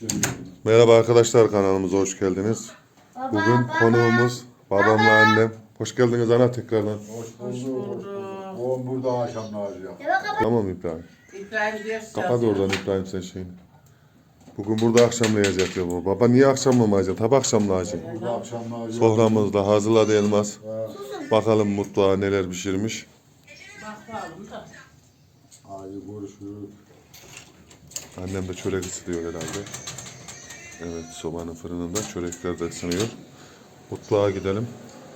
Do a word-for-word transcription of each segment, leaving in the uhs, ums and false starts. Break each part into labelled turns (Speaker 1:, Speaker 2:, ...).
Speaker 1: Merhaba arkadaşlar, kanalımıza hoş geldiniz.
Speaker 2: Baba,
Speaker 1: Bugün
Speaker 2: baba.
Speaker 1: konuğumuz babamla annem. Hoş geldiniz ana tekrardan.
Speaker 3: Hoş bulduk. Oğlum burada akşam lazım.
Speaker 1: Tamam İbrahim.
Speaker 4: İbrahim diyorsun.
Speaker 1: Kapat oradan İbrahim sen şeyini. Bugün burada akşamlayacak ya bu. Baba niye akşamlamayacak? Tabi akşamlayacak.
Speaker 3: Burada akşam lazım.
Speaker 1: Soframızda hazırladı Elmas. Bakalım mutfağa neler pişirmiş.
Speaker 4: Bakalım da.
Speaker 3: Hadi görüşürüz.
Speaker 1: Annem de çörek ısıtıyor herhalde. Evet, sobanın fırınında çörekler de ısınıyor. Mutfağa gidelim.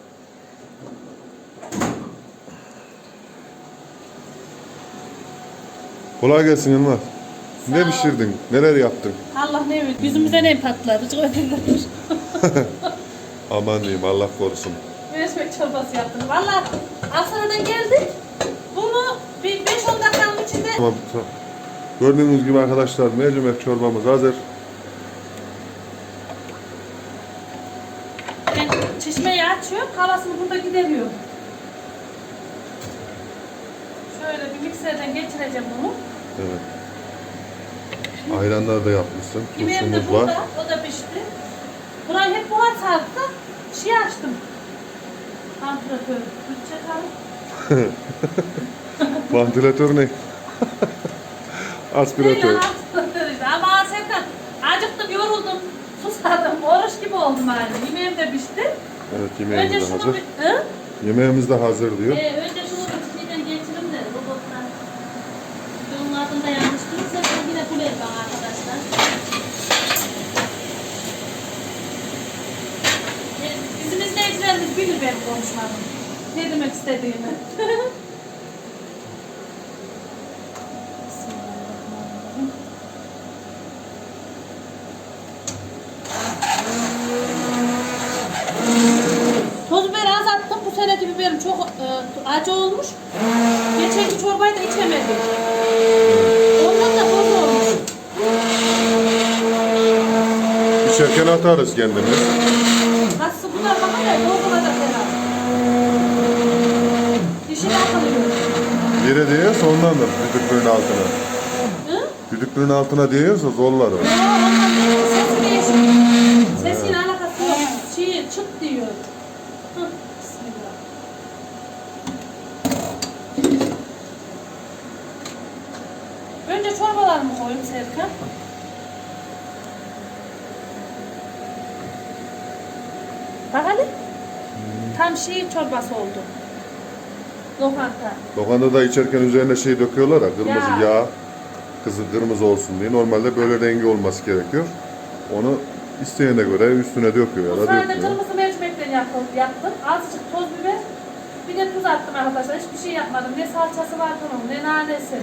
Speaker 1: Kolay gelsin Elmas. Ne pişirdin? Neler yaptın?
Speaker 2: Allah ne bilir. Yüzümüze ne patlar? Rıcık ödülür.
Speaker 1: Aman diyeyim, Allah korusun.
Speaker 2: Mercimek çorbası yaptım. Valla Aksaray'dan geldik. Bunu bir beş on dakikanın içinde...
Speaker 1: Tamam, tamam. Gördüğünüz gibi arkadaşlar mercimek çorbamız hazır.
Speaker 2: Ben çeşmeyi açıyorum. Havasını burada gideriyorum. Şöyle bir mikserden geçireceğim bunu.
Speaker 1: Evet. Ayranlar da yapmışsın.
Speaker 2: Yemeğim de
Speaker 1: Turşumuz
Speaker 2: burada.
Speaker 1: var.
Speaker 2: O da pişti. Burayı hep buhar sardı. Şey açtım. Antrenör. Bütçe kaldı.
Speaker 1: Vantilatör ne? Aspiratör.
Speaker 2: İşte. Ama Serkan acıktım, yoruldum, susadım, oruç gibi oldum yani. Yemeğim de pişti.
Speaker 1: Evet,
Speaker 2: Önce
Speaker 1: yemeğimiz de
Speaker 2: şunu
Speaker 1: hazır.
Speaker 2: bir... Hı?
Speaker 1: Yemeğimiz de hazır diyor.
Speaker 2: Ee, önce şunu bir şeyden geçirim de robotlar. Onun adını da yanlış durursa ben yine bulayım bana arkadaşlar. Ee, bizim izleyicilerimiz bilir benim konuşmamı. Ne demek istediğimi. Bismillahirrahmanirrahim. Toz biberi az attım. Bu seneki biberim çok e, acı olmuş. Geçenki çorbayı da içemedik. Ondan da toz olmuş.
Speaker 1: İçerken atarız kendimiz.
Speaker 2: Nasıl bu da bakın ya toz olacak herhalde. Dişini atılıyor.
Speaker 1: Yere değiyorsa ondandır düdüklüğün altına.
Speaker 2: Hı?
Speaker 1: Düdüklüğün altına değiyorsa zorlar o.
Speaker 2: Yo, ondan değil. Sesi değişik. Sesiyle alakası yok. Şey, çıt diyor. Hı, bismillah. Önce çorbalarımı koyayım Serkan. Bak hadi. Tam şey çorbası oldu. Lokanta.
Speaker 1: Lokantada içerken üzerine şey döküyorlar ya, kırmızı
Speaker 2: Ya.
Speaker 1: yağ. Kızı kırmızı olsun diye. Normalde böyle rengi olması gerekiyor. Onu isteyene göre üstüne döküyor ya
Speaker 2: Bu
Speaker 1: da
Speaker 2: sadece
Speaker 1: dökmüyor.
Speaker 2: kırmızı mercimekten yaptım, yaptım. Azıcık toz biber, bir de tuz attım arkadaşlar. Hiçbir şey yapmadım. Ne salçası var bunun, ne nanesi.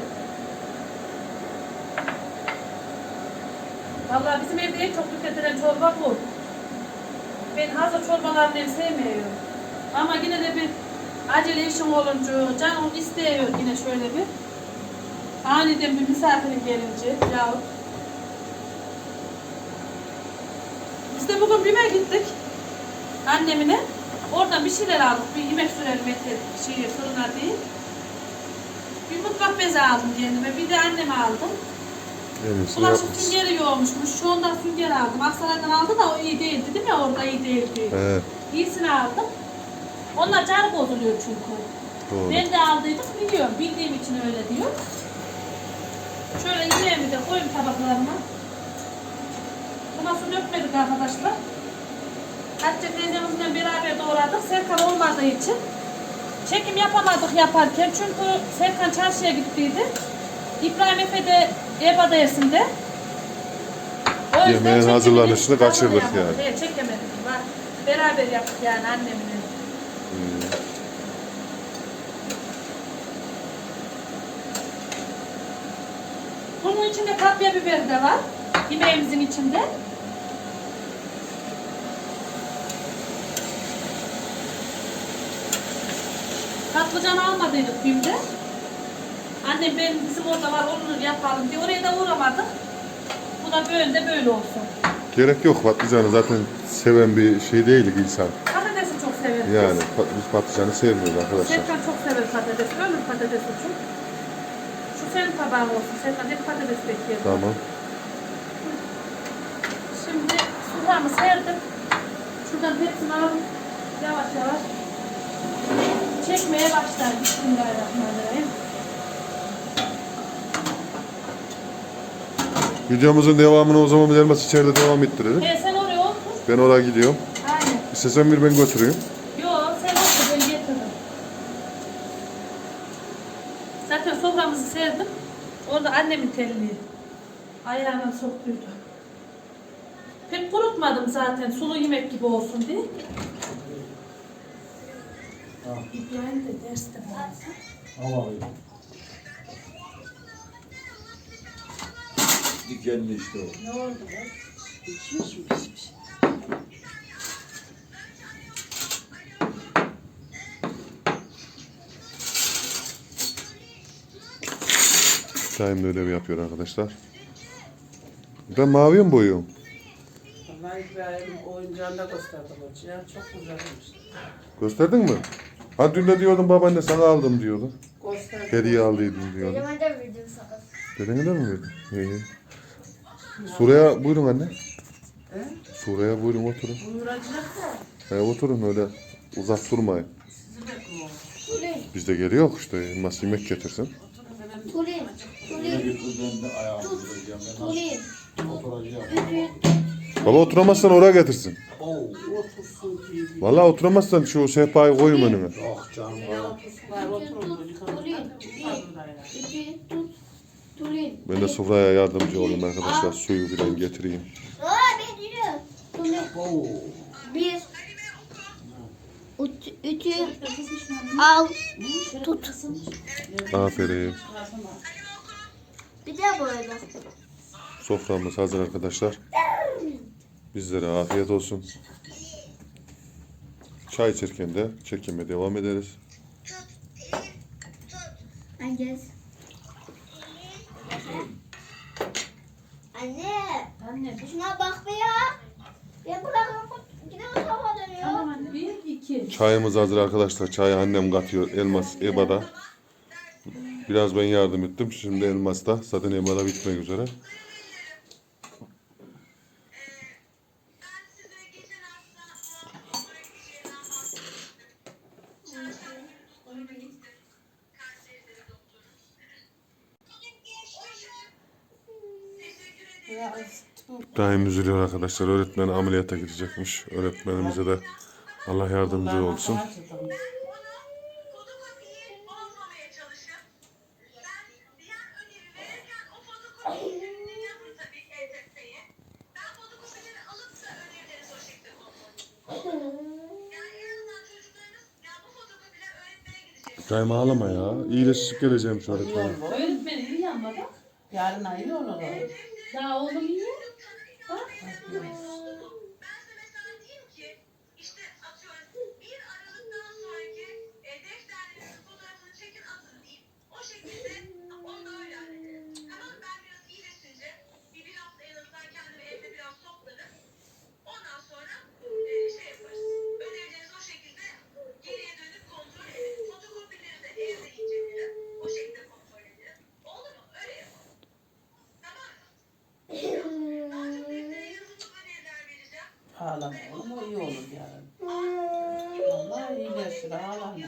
Speaker 2: Vallahi bizim evde en çok tüketilen çorba bu. Ben hazır çorbalarını ev sevmiyorum. Ama yine de bir acele işim olunca, canım istiyor yine şöyle bir. Aniden bir misafirin gelince yahut. Biz de bugün BİM'e gittik. Annemine. Oradan bir şeyler aldık. Bir yemek sürelim etleri, şey, fırına değil. Bir mutfak bezi aldım kendime. Bir de anneme aldım.
Speaker 1: En iyisini
Speaker 2: Bulaşık
Speaker 1: yapmışsın.
Speaker 2: süngeri yoğurmuşmuş. Şu ondan sünger aldım. Aksaray'dan aldı da o iyi değildi değil mi? Orada iyi değildi.
Speaker 1: Evet,
Speaker 2: İyisini aldım. Onlar canı bozuluyor çünkü.
Speaker 1: doğru.
Speaker 2: Ben de aldıydım biliyorum. Bildiğim için öyle diyor. Şöyle yemeğimi de koyayım tabaklarıma. Buna su dökmedik arkadaşlar. Hatice teyzemizle beraber doğradık. Serkan olmadığı için çekim yapamadık yaparken. Çünkü Serkan çarşıya gittiydi. İbrahim Efe de ev adayasında. O yüzden
Speaker 1: Yemeğin
Speaker 2: çekemedik,
Speaker 1: hazırlanışını
Speaker 2: tadını
Speaker 1: kaçırdık
Speaker 2: yapamadık.
Speaker 1: yani.
Speaker 2: Evet, çekemedik. Bak, beraber yaptık yani annemle. Bunun içinde kapya biber de var. Yemeğimizin içinde. Patlıcan almadıydık BİM'de. Annem benim bizim orada var onu yapalım diye oraya da uğramadık. Bu da böyle de böyle olsun.
Speaker 1: Gerek yok, patlıcanı zaten seven bir şey değil insan.
Speaker 2: Patatesi çok severiz.
Speaker 1: Yani pat- biz patlıcanı sevmiyoruz arkadaşlar.
Speaker 2: Serkan çok sever patatesi. Ölür patatesi çok. Şu senin tabağın olsun. Serkan hep patates bekliyor.
Speaker 1: Tamam.
Speaker 2: soframı serdim. Şuradan hepsini alıp yavaş yavaş çekmeye başlar. Bismillahirrahmanirrahim.
Speaker 1: Videomuzun devamını o zaman Elmas içeride devam ettirelim.
Speaker 2: He sen oraya otur.
Speaker 1: Ben oraya gidiyorum.
Speaker 2: Aynen.
Speaker 1: İstesen bir ben götüreyim.
Speaker 2: Yok sen otur ben getiririm. Zaten soframızı serdim. Orada annemin telliği. Ayağına soktuydu. Pek kurutmadım zaten sulu yemek gibi olsun diye. İbrahim de derste varsa.
Speaker 3: Ama dikenli işte o.
Speaker 4: Ne oldu be? Pişmiş mi pişmiş?
Speaker 1: Daim de ödevi yapıyor arkadaşlar. Ben maviye mi boyuyorum?
Speaker 4: Vallahi İbrahim oyuncağını da gösterdi hocaya. Çok güzelmiş.
Speaker 1: Gösterdin mi? Ha dün de diyordun babaanne sana aldım diyordun.
Speaker 4: Gösterdi.
Speaker 1: Hediye aldıydım diyordun.
Speaker 5: Elime de verdim sana.
Speaker 1: Dedene de mi verdin? İyi. Suraya buyurun anne.
Speaker 4: He?
Speaker 1: Suraya buyurun oturun.
Speaker 4: Buyuracak da.
Speaker 1: He, oturun öyle uzak durmayın.
Speaker 4: Sizi bekliyorum.
Speaker 5: Tulin,
Speaker 1: Biz de geliyor işte. Elmas yemek getirsin.
Speaker 5: tulin,
Speaker 3: Ne
Speaker 5: tulin,
Speaker 3: getirdim de ayağımı vuracağım. Ben
Speaker 5: tulin.
Speaker 3: nasıl oturacağım?
Speaker 5: Ütü,
Speaker 1: Baba oturamazsan oraya getirsin.
Speaker 3: Oo.
Speaker 4: Otursun diye.
Speaker 1: Vallahi oturamazsan şu sehpayı koyun önüne.
Speaker 3: Ah canım.
Speaker 4: Ya otursunlar oturun.
Speaker 5: tulin, ütü, tut, tulin.
Speaker 1: Ben de sofraya yardımcı olayım arkadaşlar. Suyu filan getireyim.
Speaker 5: Aa, ben yürü. Tulin,
Speaker 3: Oo.
Speaker 5: bir. Ütü, ütü, al, tut.
Speaker 1: Aferin.
Speaker 5: Bir de böyle.
Speaker 1: Soframız hazır arkadaşlar. Bizlere afiyet olsun. Çay içerken de çekime devam ederiz.
Speaker 5: Anne. Anne.
Speaker 2: Anne.
Speaker 5: Şuna bak be ya. Ya bırakın. Yine o tarafa dönüyor.
Speaker 2: Tamam anne. Bir, iki.
Speaker 1: Çayımız hazır arkadaşlar. Çayı annem katıyor. Elmas Eba'da. Biraz ben yardım ettim. Şimdi Elmas da zaten Eba'da bitmek üzere. Daim üzülüyor arkadaşlar. Öğretmen ameliyata gidecekmiş. Öğretmenimize de Allah yardımcı olsun. Daim ağlama ya. İyileşip geleceğim şu öğretmene.
Speaker 2: Öğretmeni iyi yanma bak.
Speaker 4: Yarın ayı olur o.
Speaker 2: Daha oğlum iyi. Bak.
Speaker 4: Ağlama oğlum o iyi olur yarın. Vallahi iyileşir ağlama.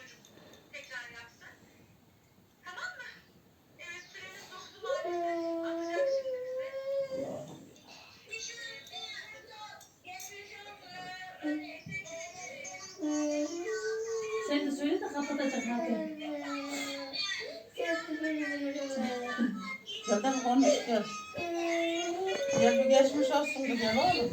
Speaker 2: Sen de söyle de kapatacak hadi.
Speaker 4: Gel de konuş gel. Gel bir geçmiş olsun bir gel oğlum.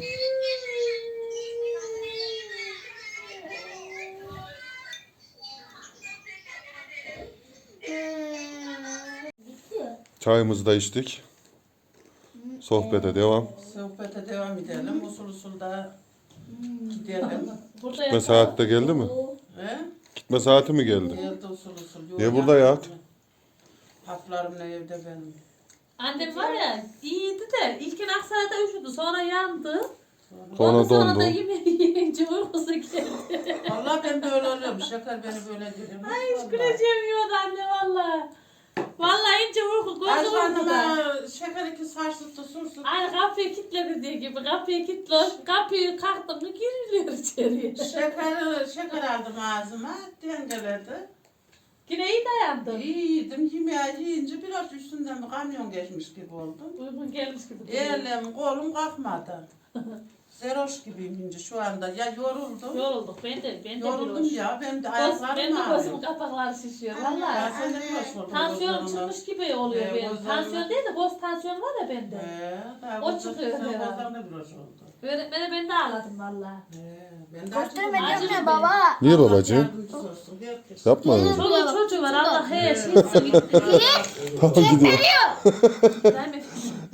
Speaker 1: Çayımızı da içtik. Sohbete devam.
Speaker 4: Sohbete devam edelim. Usul usul da gidelim.
Speaker 2: Burada
Speaker 1: Gitme
Speaker 2: yatalım.
Speaker 1: saati de geldi mi?
Speaker 4: He?
Speaker 1: Gitme saati mi geldi?
Speaker 4: Geldi usul usul.
Speaker 1: Niye burada yat?
Speaker 4: Haplarım ne evde benim.
Speaker 2: Annem var ya iyiydi de ilkin Aksaray'da üşüdü sonra yandı.
Speaker 1: Sonra
Speaker 2: Ondan sonra
Speaker 1: dondu.
Speaker 2: da yemeği yiyince uykusu geldi.
Speaker 4: Vallahi ben böyle oluyorum. Şeker beni böyle geliyor.
Speaker 2: Ay hiç güleceğim yiyordu anne valla. Vallahi ince uyku gözü
Speaker 4: Ayşe
Speaker 2: uykuda.
Speaker 4: Hanım'a şeker iki saçlıkta sursun.
Speaker 2: Aynı kapıyı kilitledi diye gibi. Kapıyı kilitli. Kapıyı kalktım mı giriliyor içeriye.
Speaker 4: Şeker, şeker aldım ağzıma, dengeledi.
Speaker 2: Yine iyi dayandım.
Speaker 4: İyi yedim, yemeği yiyince biraz üstünden bir kamyon geçmiş gibi oldum.
Speaker 2: Uygun gelmiş gibi.
Speaker 4: Elim, kolum kalkmadı. Zeroş gibiyim şimdi şu anda. Ya yoruldum.
Speaker 2: Yorulduk. Ben de. Ben de
Speaker 4: Yoruldum
Speaker 2: biraz.
Speaker 4: ya, benim de
Speaker 2: Göz,
Speaker 4: ayaklarım
Speaker 2: ben de
Speaker 4: ağrıyor.
Speaker 2: gözümün kapakları şişiyor.
Speaker 4: Ya
Speaker 2: Valla.
Speaker 4: sen de biraz oldun.
Speaker 2: Tansiyon çıkmış gibi oluyor
Speaker 4: Ee,
Speaker 2: benim.
Speaker 4: gözlerim-
Speaker 2: Tansiyon değil de göz tansiyon var ya bende.
Speaker 4: Ee, daha
Speaker 2: O
Speaker 4: gözler-
Speaker 2: çıkıyor
Speaker 4: sen
Speaker 2: herhalde.
Speaker 4: gözlerinde biraz oldu.
Speaker 2: Öğretmene ben de ağladım valla.
Speaker 4: Ee, ben de
Speaker 5: Göstermedim
Speaker 2: Acı
Speaker 5: mi
Speaker 2: mı?
Speaker 5: baba?
Speaker 1: Niye
Speaker 4: Allah
Speaker 1: babacığım?
Speaker 4: yardımcısı olsun, herkes.
Speaker 1: Yapma öyle.
Speaker 2: Çoluğu çocuğu var. Allah her şeyi gitti.
Speaker 1: Tamam gidiyor.
Speaker 2: Değil mi?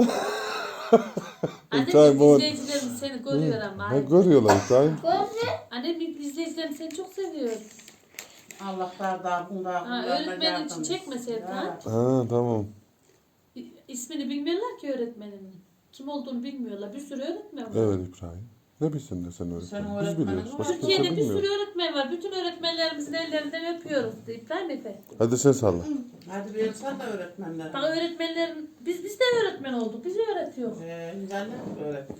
Speaker 1: İbrahim,
Speaker 2: Annem
Speaker 1: o-
Speaker 2: izleyicilerimiz seni görüyor ama.
Speaker 1: Ha, görüyorlar İbrahim.
Speaker 2: Annem izleyicilerim seni çok seviyor.
Speaker 4: Allah bardağı bundağı
Speaker 2: Ha, öğretmenin için çekmeseydin ha.
Speaker 1: Ha tamam.
Speaker 2: İ- İsmini bilmiyorlar ki öğretmenin. Kim olduğunu bilmiyorlar. Bir sürü öğretmen var.
Speaker 1: Evet İbrahim. Ne bilsin de sen
Speaker 4: Senin
Speaker 1: öğretmen. Biz
Speaker 4: öğretmenin
Speaker 1: biliyoruz.
Speaker 4: var.
Speaker 1: Başka
Speaker 2: Türkiye'de
Speaker 1: kimse
Speaker 2: bir sürü
Speaker 1: bilmiyor.
Speaker 2: öğretmen var. Bütün öğretmenlerimizin ellerinden öpüyoruz. İbrahim Efe.
Speaker 1: Hadi sen salla.
Speaker 4: Hadi bir sen de öğretmenler.
Speaker 2: Bak öğretmenlerin, biz biz de öğretmen olduk. Bizi öğretiyor.
Speaker 4: Ee, ben de öğretmen.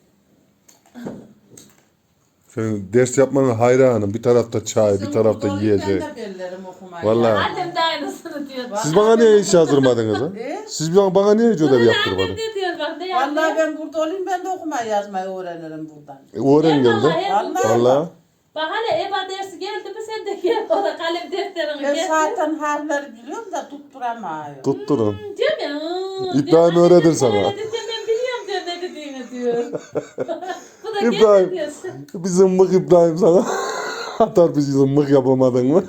Speaker 1: Senin ders yapmanın hayranım. Bir tarafta çay, bir
Speaker 4: Sizin
Speaker 1: tarafta
Speaker 4: burada
Speaker 1: yiyecek.
Speaker 4: Ben de bellerim okumayı.
Speaker 1: Vallahi.
Speaker 4: Ya.
Speaker 2: Annem de aynısını diyor.
Speaker 1: Siz bana niye hiç yazdırmadınız ha?
Speaker 4: E?
Speaker 1: Siz bana, bana niye hiç ödev
Speaker 2: Annem
Speaker 1: yaptırmadınız?
Speaker 2: ne diyor bak ne
Speaker 4: Vallahi
Speaker 2: yapıyor?
Speaker 4: ben burada olayım ben de okumayı yazmayı öğrenirim buradan.
Speaker 1: E, öğren geldi.
Speaker 2: Vallahi.
Speaker 1: Valla.
Speaker 2: Bak hani EBA dersi geldi mi sen de gel orada kalem defterini
Speaker 4: Ben
Speaker 2: getir.
Speaker 4: zaten harfleri biliyorum da tutturamıyorum.
Speaker 1: Tutturun.
Speaker 2: Diyor ya. "Hı."
Speaker 1: İbrahim
Speaker 2: Diyor, annem
Speaker 1: öğretir
Speaker 2: sen
Speaker 1: sana.
Speaker 2: öğretince ben biliyorum diyor ne dediğini diyor. Bu da
Speaker 1: İbrahim.
Speaker 2: geldi diyor.
Speaker 1: Bir zımbık İbrahim sana. Atar bir zımbık yapamadın mı?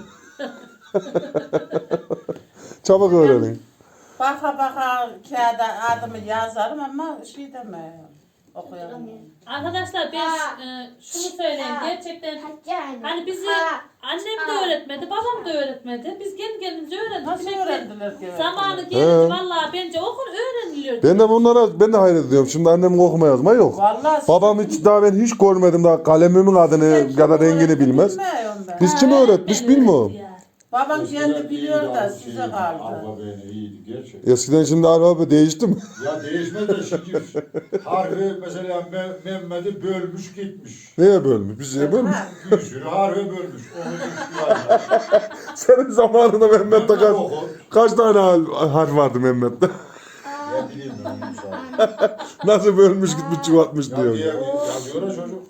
Speaker 1: Çabuk öğrenin.
Speaker 4: Baka baka kağıda adımı yazarım ama şey demiyorum. Okuyamıyorum.
Speaker 2: Arkadaşlar ben e, şunu söyleyeyim gerçekten hani bizi annem de öğretmedi, babam da öğretmedi. Biz kendi kendimize öğrendik.
Speaker 4: Nasıl
Speaker 2: Demek ki
Speaker 4: öğrendiler ki?
Speaker 2: zamanı
Speaker 1: He.
Speaker 2: gelince vallahi bence okul öğreniliyor.
Speaker 1: Ben de bunlara ben de hayret ediyorum. Şimdi annemin okuma yazma yok.
Speaker 4: Vallahi
Speaker 1: Babam hiç daha ben hiç görmedim daha kalemimin adını ya da rengini bilmez.
Speaker 4: Bilmiyorum ben.
Speaker 1: Biz kim öğretmiş bilmiyorum.
Speaker 4: Babam kendi biliyor da size kaldı.
Speaker 3: Alfabeyle iyiydi gerçekten.
Speaker 1: Eskiden şimdi alfabe değişti mi?
Speaker 3: Ya değişmez de şimdi harfi mesela Me- Mehmet'i bölmüş gitmiş.
Speaker 1: Neye bölmüş? Biz neye bölmüş?
Speaker 4: Ha,
Speaker 3: Bir sürü harfi bölmüş. Onu ihtiyacı.
Speaker 1: Senin zamanında Mehmet'te kaç,
Speaker 3: Oku.
Speaker 1: kaç tane har- harf vardı Mehmet'te?
Speaker 3: Ne bileyim ben onu sadece.
Speaker 1: Nasıl bölmüş gitmiş çuvatmış
Speaker 3: Ya diye
Speaker 1: diyor.
Speaker 3: yazıyor ya çocuk.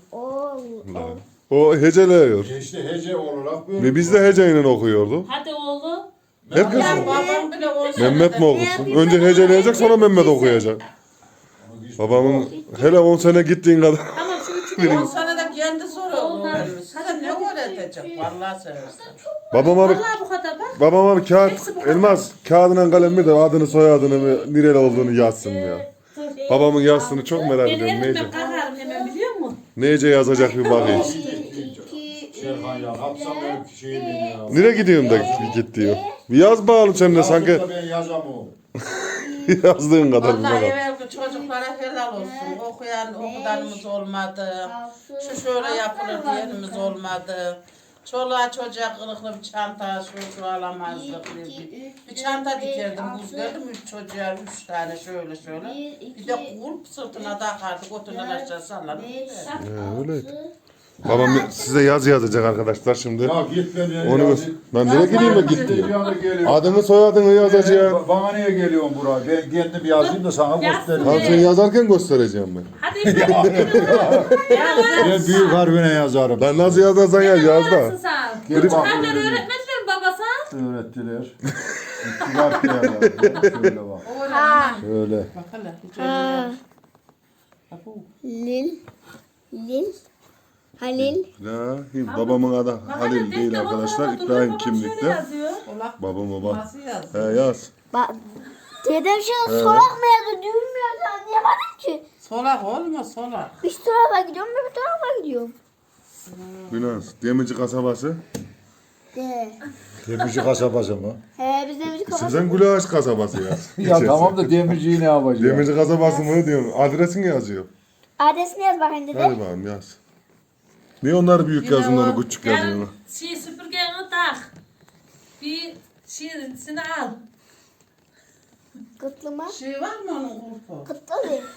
Speaker 1: O heceleyiyor.
Speaker 3: E İşte hece olarak böyle.
Speaker 1: Ve biz de heceyle okuyorduk.
Speaker 2: Hadi oğlum.
Speaker 1: Herkes
Speaker 4: ya babam bile olsa
Speaker 1: Mehmet mi okusun? Önce heceleyecek sonra Mehmet okuyacak. Babamın hele on sene gittiğin kadar.
Speaker 2: Tamam şu üçünü.
Speaker 4: on sene de kendi soruyor öğrenmiş. Size ne öğretecek? Vallahi seversen.
Speaker 1: Babama bir,
Speaker 2: Vallahi bu kadar bak.
Speaker 1: babama bir kağıt, elmas kağıdına kalemle de adını soyadını nereli olduğunu yazsın ya. Babamın yazsını çok merak
Speaker 2: Ben
Speaker 1: ediyorum.
Speaker 2: elimden
Speaker 1: Nece,
Speaker 2: kalkarım hemen biliyor musun?
Speaker 1: nece yazacak bir bakayım.
Speaker 3: Serhan ya. Hapsam benim şeyini ya.
Speaker 1: Nereye gidiyorsun da git diyor. Bir yaz bakalım sen de sanki
Speaker 3: Yazıp da ben yazamam.
Speaker 1: yazdığın kadar bir
Speaker 4: Vallahi
Speaker 1: bakalım.
Speaker 4: evvelki çocuklara helal olsun. Okuyan okudanımız olmadı. Şu şöyle yapılır diyenimiz olmadı. Çoluğa çocuğa kılıklı bir çanta şu şu alamazdık. Bir, bir, bir çanta dikerdim, buz verdim üç çocuğa üç tane şöyle şöyle. Bir de kulp sırtına takardık, otundan aşağı sallanıp.
Speaker 1: He, öyleydi. Babam size yaz yazacak arkadaşlar şimdi.
Speaker 3: Ya git ben yani.
Speaker 1: Onu
Speaker 3: ya,
Speaker 1: gö- ben nereye gideyim de git diyor.
Speaker 3: Yana geliyor.
Speaker 1: Adını soyadını yazacağım.
Speaker 3: Ba- Bana niye geliyorsun buraya? Ben kendim yazayım da sana
Speaker 2: Yazsın.
Speaker 1: Tamam
Speaker 3: göstereyim.
Speaker 1: sen yazarken göstereceğim ben.
Speaker 2: Hadi İbrahim.
Speaker 3: Ben büyük harfine yazarım.
Speaker 1: Ben nasıl yazarsan yaz yaz da.
Speaker 2: Nasılsın sen?
Speaker 3: Gel
Speaker 2: Küçük
Speaker 3: bak.
Speaker 2: harfleri öğretmediler mi baba sen?
Speaker 3: Öğrettiler. İki harfine yazarım. Şöyle bak. Şöyle.
Speaker 4: Bak hele, hiç öyle yok. Bak bu.
Speaker 5: Lil. Lil. Halil.
Speaker 1: Ya, babamın adı Halil değil arkadaşlar. İbrahim kimlikte.
Speaker 4: Olak
Speaker 1: Babam baba.
Speaker 4: nasıl
Speaker 1: He
Speaker 4: yazıyor?
Speaker 1: yaz.
Speaker 5: Bak. Dedem şimdi solak mı yazdı? Düğün mü yazdı? Anlayamadım ki.
Speaker 4: Solak olma solak.
Speaker 5: Bir tarafa gidiyorum, bir tarafa gidiyorum.
Speaker 1: Binans. Demirci kasabası.
Speaker 5: De.
Speaker 3: Demirci kasabası mı?
Speaker 5: He biz de müzik
Speaker 1: Sen
Speaker 5: kapattık.
Speaker 1: Gülaş kasabası yaz.
Speaker 3: Ya tamam da demirciyi ne yapacağım?
Speaker 1: Demirci kasabası mı diyorsun? Adresini yazıyor.
Speaker 5: Adresini yaz bakayım dede.
Speaker 1: Hadi bakalım yaz. Niye onları büyük
Speaker 4: Yine
Speaker 1: yazın
Speaker 4: o-
Speaker 1: onu küçük yazın?
Speaker 2: Yarın şey süpürgeni tak. Bir şeysini al.
Speaker 5: Kıtlı mı?
Speaker 4: Şey var mı onun kurpu?
Speaker 5: Kıtlı değil.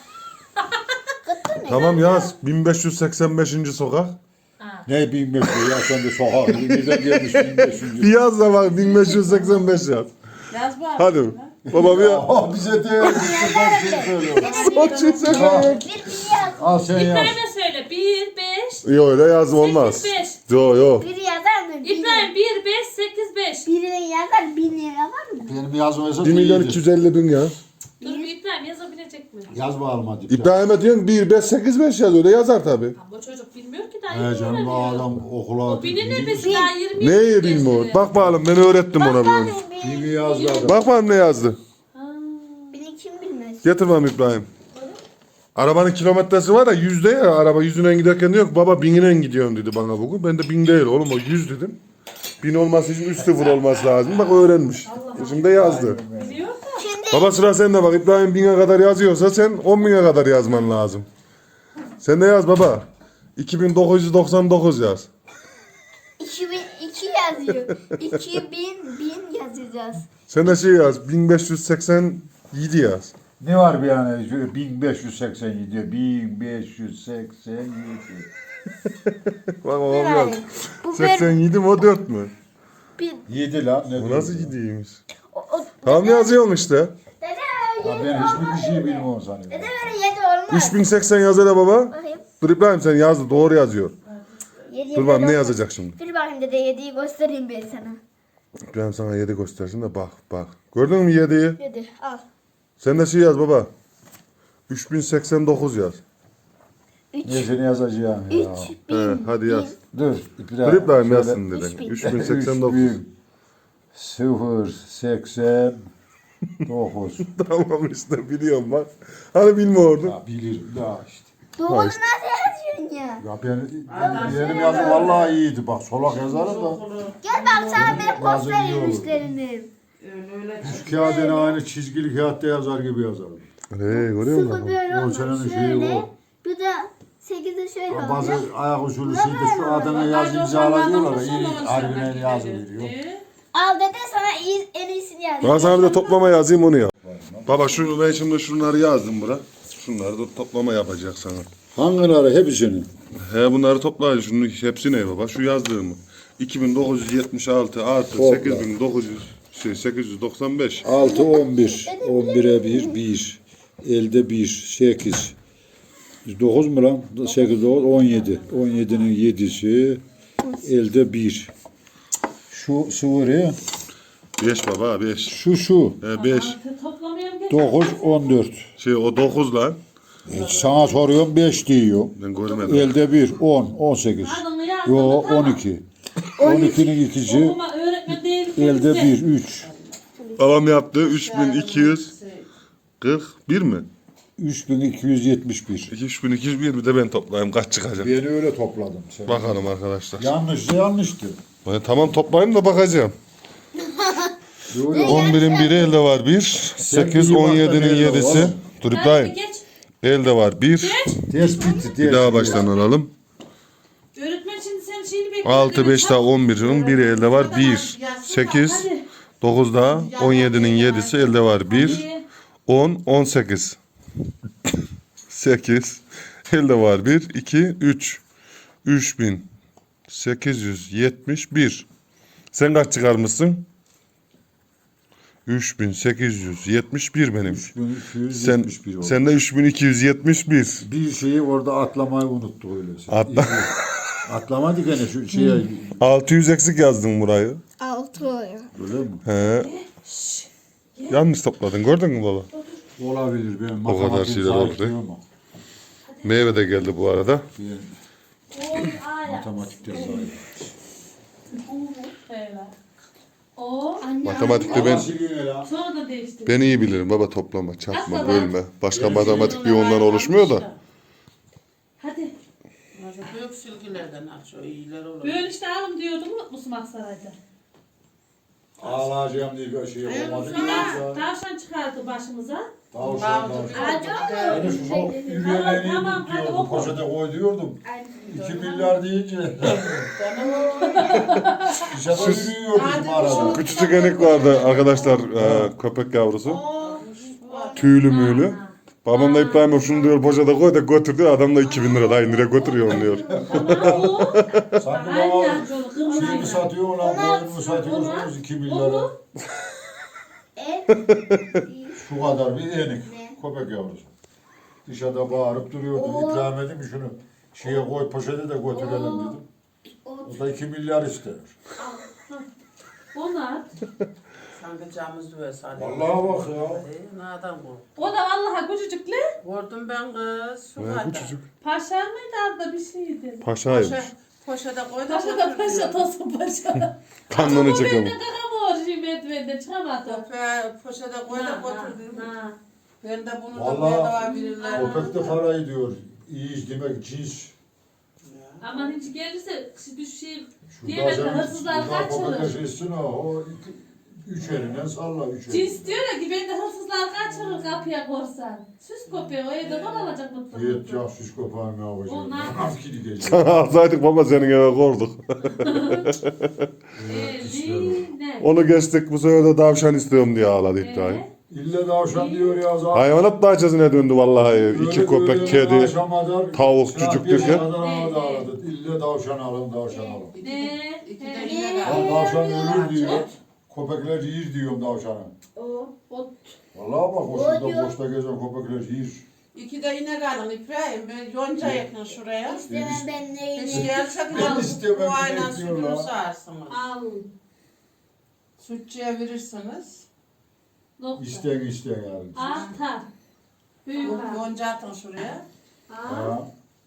Speaker 5: Kıtlı ne?
Speaker 1: Tamam yaz. bin beş yüz seksen beşinci sokak.
Speaker 3: Ne bin beş yüz ya sen de sokak. Neden gelmiş bin beş yüz?
Speaker 1: Bir yaz da bak bin beş yüz seksen beş yaz.
Speaker 4: Yaz var.
Speaker 1: Hadi. Baba bir
Speaker 3: Aa bize de son şey söylüyor.
Speaker 1: son şey söyle.
Speaker 5: Bir bir yaz.
Speaker 3: Al sen yaz.
Speaker 2: İbrahim'e söyle. bir, beş,
Speaker 1: Yok öyle yazım olmaz.
Speaker 2: sekiz, beş.
Speaker 1: Yok yok.
Speaker 5: Bir yazar mı? Bir.
Speaker 2: İbrahim bir, beş, sekiz, beş.
Speaker 5: Birinin yazar bin lira var mı?
Speaker 3: Benim yazmaysa
Speaker 1: bir milyon iki yüz elli bin yaz.
Speaker 2: Dur bir İbrahim yazabilecek mi?
Speaker 3: Yaz bakalım hadi.
Speaker 1: İbrahim'e diyorsun bir beş sekiz beş yaz öyle yazar tabi.
Speaker 2: Ama bu çocuk bilmiyor ki daha
Speaker 3: He
Speaker 2: yeni
Speaker 3: canım bu
Speaker 2: öğreniyor.
Speaker 3: adam okula...
Speaker 2: O bilir ne biz daha yirmi
Speaker 1: Neyi bilmiyor? Bak bakalım ben öğrettim ona bunu.
Speaker 3: Kimi yazdı adam?
Speaker 1: Bak bakalım ne yazdı.
Speaker 5: Beni kim bilmez?
Speaker 1: Getir bakalım İbrahim. Arabanın kilometresi var ya yüzde ya araba yüzünden giderken diyor ki baba binine gidiyorum dedi bana bugün. Ben de bin değil oğlum o yüz dedim. Bin olması için üç sıfır olması lazım. Bak öğrenmiş. Şimdi yazdı.
Speaker 2: biliyor da.
Speaker 1: Baba sıra sende bak İbrahim bine kadar yazıyorsa sen on bine kadar yazman lazım. Sen de yaz baba. iki bin dokuz yüz doksan dokuz yaz.
Speaker 5: iki bin iki yazıyor. iki bin bin yazacağız.
Speaker 1: Sen de şey yaz bin beş yüz seksen yedi yaz.
Speaker 3: Ne var bir yani? Şöyle bin beş yüz seksen yedi. bin beş yüz seksen yedi.
Speaker 1: Bak babam yaz.
Speaker 5: Bu
Speaker 1: seksen yedi mi o dört mü?
Speaker 5: bir.
Speaker 3: yedi lan. Ne
Speaker 1: Bu nasıl
Speaker 3: diyorsun?
Speaker 1: gidiymiş?
Speaker 5: O, o,
Speaker 1: Tamam yazıyorsun işte.
Speaker 5: dede
Speaker 3: Ya
Speaker 5: yedi
Speaker 3: ben
Speaker 5: olmaz.
Speaker 3: hiçbir şey bilmiyorum sanıyorum.
Speaker 5: Dede böyle yedi olmaz.
Speaker 1: üç bin seksen yaz hele baba.
Speaker 5: Bakayım.
Speaker 1: Dur İbrahim sen yazdı doğru yazıyor.
Speaker 5: Yedi
Speaker 1: Dur bakalım ne yazacak şimdi.
Speaker 5: Dur bakayım dede yediyi göstereyim ben sana.
Speaker 1: İbrahim sana yedi göstersin de bak bak. Gördün mü yediyi?
Speaker 5: Yedi al.
Speaker 1: Sen de şey yaz baba. üç bin seksen dokuz yaz.
Speaker 5: Üç.
Speaker 3: Ne seni yazacağım ya.
Speaker 5: Üç bin.
Speaker 1: He, hadi yaz.
Speaker 3: Dur.
Speaker 1: Dur İbrahim
Speaker 3: şöyle-
Speaker 1: yazsın dedin.
Speaker 5: Üç bin.
Speaker 1: üç bin seksen dokuz.
Speaker 3: üç bin sıfır seksen dokuz.
Speaker 1: Tamam işte biliyorum bak. Hani bilmiyordun.
Speaker 3: Ya bilirim daha işte.
Speaker 5: Dokuz nasıl yazıyorsun ya?
Speaker 3: Ya ben, benim yazım vallahi iyiydi. Bak solak yazarım da.
Speaker 5: Gel bak sana ben
Speaker 3: Yazın
Speaker 5: göstereyim
Speaker 3: iyi olur.
Speaker 5: müşterinim.
Speaker 4: Öyle öyle.
Speaker 3: Şu kağıdını aynı çizgili kağıtta yazar gibi yazarım.
Speaker 1: Hey görüyor
Speaker 5: Sıfır
Speaker 1: musun?
Speaker 5: böyle
Speaker 3: O
Speaker 5: olmaz.
Speaker 3: senenin şeyi
Speaker 5: Şöyle.
Speaker 3: o.
Speaker 5: Bir de sekizi şöyle
Speaker 3: Ya bazı
Speaker 5: olacak.
Speaker 3: ayak usulü şeyde şu adana yaz imzalanıyorlar da iyi harbiden yazı veriyor.
Speaker 5: Al dede sana iyi, en iyisini yaz.
Speaker 1: Ben sana bir de toplama yazayım onu yap. Baba şunu ben şimdi şunları yazdım bura. Şunları da toplama yapacak sana.
Speaker 3: Hangileri hepsini?
Speaker 1: He bunları toplayın şunu hepsi ne baba? Şu yazdığımı. iki bin dokuz yüz yetmiş altı artı
Speaker 3: Topla.
Speaker 1: sekiz bin dokuz yüz şey sekiz yüz doksan beş.
Speaker 3: altı on bir. on bire bir bir. Elde bir. sekiz. dokuz mu lan? sekiz dokuz on yedi. on yedinin yedisi. Elde bir. Şu sıvırı.
Speaker 1: beş baba beş.
Speaker 3: Şu şu.
Speaker 1: He beş.
Speaker 2: Toplamayalım geç.
Speaker 3: dokuz on dört.
Speaker 1: Şey o dokuz lan.
Speaker 3: Sana soruyorum beş diyor.
Speaker 1: Ben görmedim.
Speaker 3: Elde bir. on. on sekiz.
Speaker 2: Adını yazdım.
Speaker 3: Yo
Speaker 2: tamam.
Speaker 3: on iki. on ikinin ikisi.
Speaker 2: Okuma öğretmen değil.
Speaker 3: Elde bir. üç.
Speaker 1: Babam yaptı üç bin iki yüz kırk bir mi?
Speaker 3: üç bin iki yüz yetmiş bir.
Speaker 1: üç bin iki yüz bir bir de ben toplayayım kaç çıkacak.
Speaker 3: Ben öyle topladım. Sen.
Speaker 1: Bakalım arkadaşlar.
Speaker 3: Yanlışsa yanlıştı.
Speaker 1: Ben tamam toplayayım da bakacağım.
Speaker 3: Yo, yo.
Speaker 1: on birin biri elde var bir. sekiz,
Speaker 3: iyi
Speaker 1: on
Speaker 3: bak da
Speaker 1: yedinin
Speaker 3: elde
Speaker 1: yedisi.
Speaker 3: var.
Speaker 1: Dur
Speaker 2: Hadi
Speaker 1: İbrahim.
Speaker 2: geç.
Speaker 1: Elde var bir.
Speaker 3: Tespit.
Speaker 1: Bir daha baştan alalım.
Speaker 2: Öğretmen şimdi senin şeyini bekliyor.
Speaker 1: altı, beş daha on birin biri elde var bir. sekiz, dokuz daha on yedinin yedisi elde var bir. on, on sekiz. sekiz. Elde var bir, iki, üç. üç bin sekiz yüz yetmiş bir. Sen kaç çıkarmışsın? üç bin sekiz yüz yetmiş bir benim.
Speaker 3: üç bin iki yüz
Speaker 1: Sen,
Speaker 3: yetmiş bir oldu.
Speaker 1: sen de üç bin iki yüz yetmiş bir.
Speaker 3: Bir şeyi orada atlamayı unuttuk öyle.
Speaker 1: Atla.
Speaker 3: Atlamadık gene şu şeye.
Speaker 1: altı yüz eksik yazdın burayı.
Speaker 5: Altı oluyor.
Speaker 3: Öyle mi?
Speaker 1: He. Yanlış topladın gördün mü baba?
Speaker 3: Olabilir. Ben
Speaker 1: O kadar
Speaker 3: matematik
Speaker 1: şeyler
Speaker 3: zayıf
Speaker 1: oldu.
Speaker 3: diyorum ama
Speaker 1: Meyve de geldi bu arada.
Speaker 3: Ben matematikte zayıf.
Speaker 2: O.
Speaker 1: Matematikte ben
Speaker 2: Sonra da değişti.
Speaker 1: ben iyi bilirim baba toplama, çarpma, bölme. Başka matematik bir ondan oluşmuyor da.
Speaker 2: Hadi.
Speaker 4: Büyük silgilerden aç o iyiler olur.
Speaker 2: Böyle işte alım diyordum unutmuşsun Aksaray'da.
Speaker 3: Ağlayacağım diye bir şey olmadı.
Speaker 2: Sonra tavşan çıkardı başımıza.
Speaker 3: Tavşan tavşan. Yani şu
Speaker 2: Tamam,
Speaker 3: yürüyenleri
Speaker 2: tamam, hadi
Speaker 3: diyordum.
Speaker 2: oku.
Speaker 3: Poşete koy diyordum. iki milyar deyince. Dışarıda yürüyordum bizim arada.
Speaker 1: Küçücük enik vardı arkadaşlar e, köpek yavrusu. Tüylü müylü. Babam da İbrahim'e şunu diyor poşete koy da götür diyor. Adam da iki bin lira da nereye götürüyor onu diyor.
Speaker 2: Tamam bu.
Speaker 3: Sanki
Speaker 2: Aynen
Speaker 3: bana
Speaker 2: şöyle kırmızı.
Speaker 3: şeyini satıyor lan, boynumu satıyorsunuz iki milyara.
Speaker 2: Bunu.
Speaker 3: Şu kadar bir enik köpek yavrusu. Dışarıda bağırıp duruyordu. İbrahim dedim şunu şeye koy poşete de götürelim dedim. O da iki milyar istiyor.
Speaker 2: Onu at.
Speaker 4: Sanki camız böyle sanıyor.
Speaker 3: Vallahi bak ya.
Speaker 4: Ee, nereden bu?
Speaker 2: O da vallahi küçücükle.
Speaker 4: Gördüm ben kız. Şu
Speaker 1: Ne bu
Speaker 4: kadar.
Speaker 1: çocuk?
Speaker 2: Paşa mıydı adı bir şeydi.
Speaker 1: Paşaymış.
Speaker 4: Poşe, poşete koy da
Speaker 2: Paşa da
Speaker 4: götür
Speaker 2: paşa
Speaker 4: diyor.
Speaker 2: tosun paşa.
Speaker 1: Kanını
Speaker 2: Ben
Speaker 1: çekiyor.
Speaker 2: de kakamor şimdi merdivende çıkamadım.
Speaker 4: Köpeğe poşete koy da
Speaker 2: Ha,
Speaker 4: götür diyor.
Speaker 2: ha.
Speaker 4: Ben de bunu da
Speaker 3: Vallahi
Speaker 4: bedava verirler.
Speaker 3: köpek de parayı diyor. İyi demek cins.
Speaker 2: Aman hiç gelirse bir şey
Speaker 3: Şurada
Speaker 2: diyemem
Speaker 3: sen
Speaker 2: hırsızlar
Speaker 3: şurada köpek
Speaker 2: kaçırır.
Speaker 3: eşleşsin ha. O iki, üç elinden salla üç elinden.
Speaker 2: Cins diyor ya ki ben de hırsızlar kaçırır kapıya korsan. Süs köpeği o evde var alacak mutlaka.
Speaker 3: Yet ya şiş köpeğim ya
Speaker 2: O
Speaker 3: hocam.
Speaker 2: ne yapıyor?
Speaker 3: Nasıl gidecek?
Speaker 1: Sana alsaydık baba senin eve korduk.
Speaker 2: Eline.
Speaker 1: Onu geçtik bu sefer de tavşan istiyorum diye ağladı İbrahim.
Speaker 2: Ee,
Speaker 3: İlle davşan diyor ya zaten.
Speaker 1: Hayvanat bahçesine döndü vallahi.
Speaker 3: Öyle
Speaker 1: İki köpek,
Speaker 3: böyle
Speaker 1: kedi.
Speaker 3: akşama
Speaker 1: tavuk,
Speaker 3: saat
Speaker 1: cücük
Speaker 3: beşe
Speaker 1: derken.
Speaker 3: kadar ağladı ağladı. İlle davşan alın davşan alın.
Speaker 2: Ne?
Speaker 4: İki de
Speaker 2: He.
Speaker 4: inek
Speaker 3: Ya
Speaker 4: al.
Speaker 3: davşan ölür diyor. Köpekler yiyir diyorum davşanı.
Speaker 2: O
Speaker 3: Vallahi bak o şurada boşta gezen köpekler yiyir.
Speaker 4: İki de inek alın İbrahim. Ben yonca yakın şuraya.
Speaker 5: İstemem ben
Speaker 4: Hiç
Speaker 5: neyini.
Speaker 4: gelse
Speaker 3: Ben
Speaker 4: bir
Speaker 3: istemem,
Speaker 4: bu aynen
Speaker 3: inek diyorlar.
Speaker 4: sütünü sağarsınız.
Speaker 2: al.
Speaker 4: Sütçüye verirsiniz.
Speaker 2: Nokta.
Speaker 3: İsteyen isteyen yani.
Speaker 2: Artar. Büyük harf.
Speaker 4: Yonca atın şuraya.
Speaker 2: Al.
Speaker 3: Ha,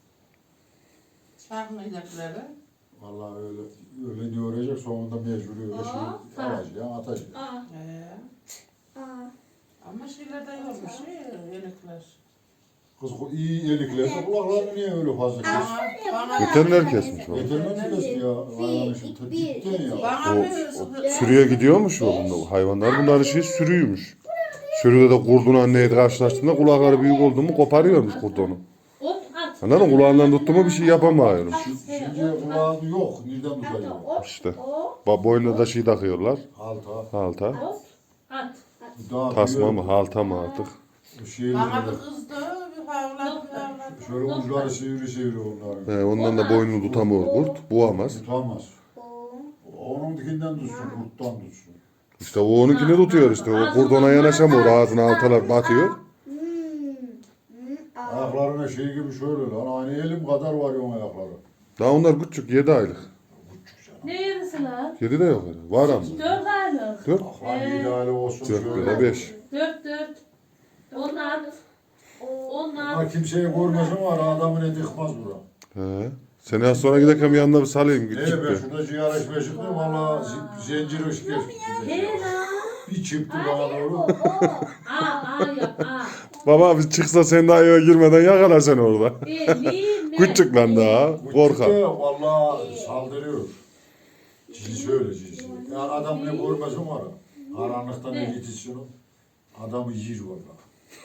Speaker 4: Çarpın inekleri.
Speaker 3: vallahi öyle öyle diyor olacak sonunda mecbur öyle
Speaker 2: Aa,
Speaker 3: şey
Speaker 2: ha.
Speaker 3: alacağım atacağım.
Speaker 2: Al.
Speaker 4: Ee,
Speaker 5: Aa.
Speaker 4: ama şeylerden yokmuş iyi inekler.
Speaker 3: Kız iyi yeliklerse kulaklarını niye öyle fazla kes?
Speaker 4: Bana, bana,
Speaker 1: Veteriner kesmiş o.
Speaker 3: Veteriner mi kes ya? Hayvanı şu
Speaker 5: Bir,
Speaker 3: cidden ya.
Speaker 4: bana
Speaker 1: O,
Speaker 4: bir
Speaker 1: Sürüye gidiyormuş o bunda. Hayvanlar bunların şey sürüymüş. Sürüde de kurdun anneyi karşılaştığında kulakları büyük oldu mu koparıyormuş kurt onu.
Speaker 2: Ot at.
Speaker 1: Anladın mı? Kulağından tuttu mu bir şey yapamıyormuş.
Speaker 3: Şimdi kulağı yok. Nereden tutacağım?
Speaker 1: İşte. Ba- Boynuna da şey takıyorlar.
Speaker 3: Halta.
Speaker 1: Halta.
Speaker 2: Ot at.
Speaker 3: Daha
Speaker 1: Tasma mı halta mı artık.
Speaker 3: Şey,
Speaker 4: bana bir kızdı, bir havladı, bir havladı.
Speaker 3: şöyle uçları sivri sivri onların.
Speaker 1: He, ondan da boynunu tutamıyor kurt. Buamaz.
Speaker 3: Tutamaz. Onun dikinden tutsun, kurttan tutsun.
Speaker 1: İşte o onunkini tutuyor işte. O kurt ona yanaşamıyor. Ağzına haltalar batıyor.
Speaker 5: Hmm. Hmm. Aa.
Speaker 3: Ayaklarına şey gibi şöyle lan. Aynı elim kadar var onun ayakları.
Speaker 1: Daha onlar küçük. Yedi aylık.
Speaker 2: Ne yarısı lan?
Speaker 1: Yedi de yok. öyle. Var ama.
Speaker 2: Dört aylık.
Speaker 1: Dört.
Speaker 3: Lan yedi aile olsun
Speaker 1: Dört
Speaker 3: şöyle.
Speaker 1: ya da beş.
Speaker 2: Dört dört. On at. On
Speaker 3: Ama
Speaker 2: at.
Speaker 3: kimseyi görmesin var adamın eti yıkmaz bura.
Speaker 1: He. Seni az sonra giderken bir yanına bir salayım.
Speaker 3: Ne
Speaker 1: Küçük
Speaker 3: ben
Speaker 1: bir.
Speaker 3: şurada ciğer içmeye çıktım valla zi- zincir ışık geçti.
Speaker 2: He lan.
Speaker 3: Bir çıktı bana doğru.
Speaker 2: Aa aa yap aa.
Speaker 1: Baba bir çıksa sen daha eve girmeden yakalar seni orada.
Speaker 2: Eline.
Speaker 1: Küçük lan daha.
Speaker 3: Bu
Speaker 1: Korkak.
Speaker 3: çıktı valla saldırıyor. Cins öyle cins. Ya adam ne görmesin var. Karanlıkta ne gitsin adamı yiyir valla.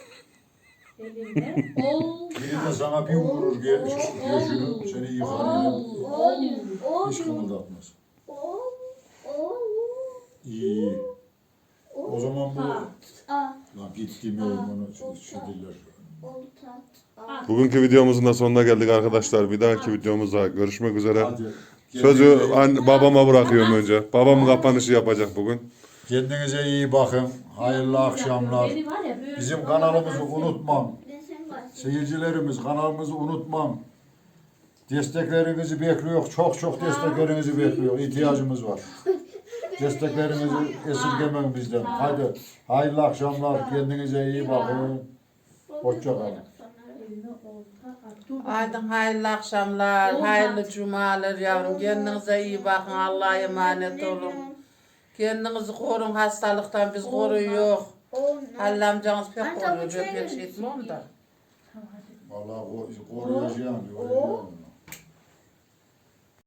Speaker 2: Eline. Ol.
Speaker 3: Biri de sana bir vurur gel göğsünü seni yıkar.
Speaker 2: Ol. Ol.
Speaker 5: O.
Speaker 3: Hiç kımıldatmaz.
Speaker 5: O. O.
Speaker 3: İyi. O zaman bu
Speaker 2: Ha.
Speaker 5: Aa.
Speaker 3: lan gitti mi onu şidirler.
Speaker 5: Oltat. Aa.
Speaker 1: Bugünkü videomuzun da sonuna geldik arkadaşlar. Bir dahaki videomuzda görüşmek üzere.
Speaker 3: Hadi.
Speaker 1: Sözü anne, babama bırakıyorum önce. Babam kapanışı yapacak bugün.
Speaker 3: Kendinize iyi bakın. Hayırlı akşamlar.
Speaker 2: Beni var ya böyle-
Speaker 3: Bizim kanalımızı unutmam.
Speaker 5: Ben sen bak.
Speaker 3: Seyircilerimiz kanalımızı unutmam. Desteklerinizi bekliyor. Çok çok desteklerinizi bekliyor. İhtiyacımız var. Desteklerinizi esirgemeyin bizden. Hadi hayırlı akşamlar. Kendinize iyi bakın. Hoşça kalın.
Speaker 2: Eline olta at. Dur.
Speaker 4: Haydi hayırlı akşamlar, hayırlı cumalar yavrum. Kendinize iyi bakın, Allah'a emanet olun. Kendinizi korun hastalıktan, biz koruyor.
Speaker 5: O.
Speaker 4: Halil amcanız pek koruyor, ben pek şey etmiyorum da.
Speaker 3: Vallahi koruyacağım diyor.